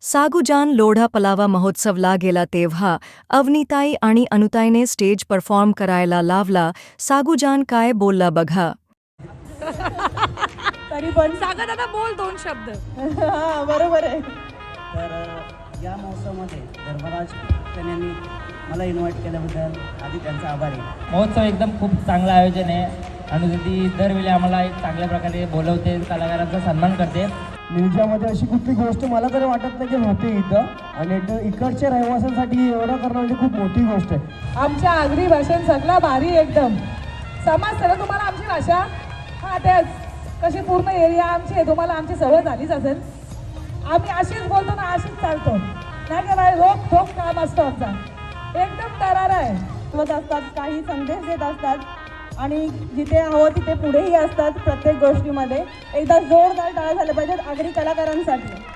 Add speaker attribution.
Speaker 1: सागुजान लोढा पलावा महोत्सवला गेला तेव्हा अवनीताई आणि अनुताईने स्टेज परफॉर्म करायला लावला. सागुजान काय बोलला बघा.
Speaker 2: तरी पण
Speaker 3: सागर दादा बोल दोन शब्द.
Speaker 2: हा बरोबर आहे.
Speaker 4: तर या महोत्सवामध्ये धर्मराज यांनी मला इन्व्हाइट केल्याबद्दल आधी त्यांचा आभारी आहे.
Speaker 5: महोत्सव एकदम खूप चांगलं आयोजन आहे. अनुदिती दरवेळी आम्हाला एक चांगल्या प्रकारे बोलवते, कलाकारांचा सन्मान करते.
Speaker 6: निर्जामध्ये अशी कुठली गोष्ट मला तरी वाटत नाही की होते इथं, आणि इकडच्या रहिवाशांसाठी एवढं करणं म्हणजे खूप मोठी गोष्ट आहे.
Speaker 2: आमच्या आगरी भाषेत सगळा भारी एकदम समजतं ना तुम्हाला आमची भाषा. हा तेच कशी पूर्ण एरिया आमची आहे, तुम्हाला आमची सवय झालीच असेल. आम्ही अशीच बोलतो ना, अशीच चालतो नाही का बाई. रोख ठोक काम असतं आमचा, एकदम दरार आहे. होत असतात, काही संदेश देत असतात आणि जिथे हवं तिथे पुढेही असतात. प्रत्येक गोष्टीमध्ये एकदा जोरदार टाळ्या झाल्या पाहिजेत आगरी कलाकारांसाठी.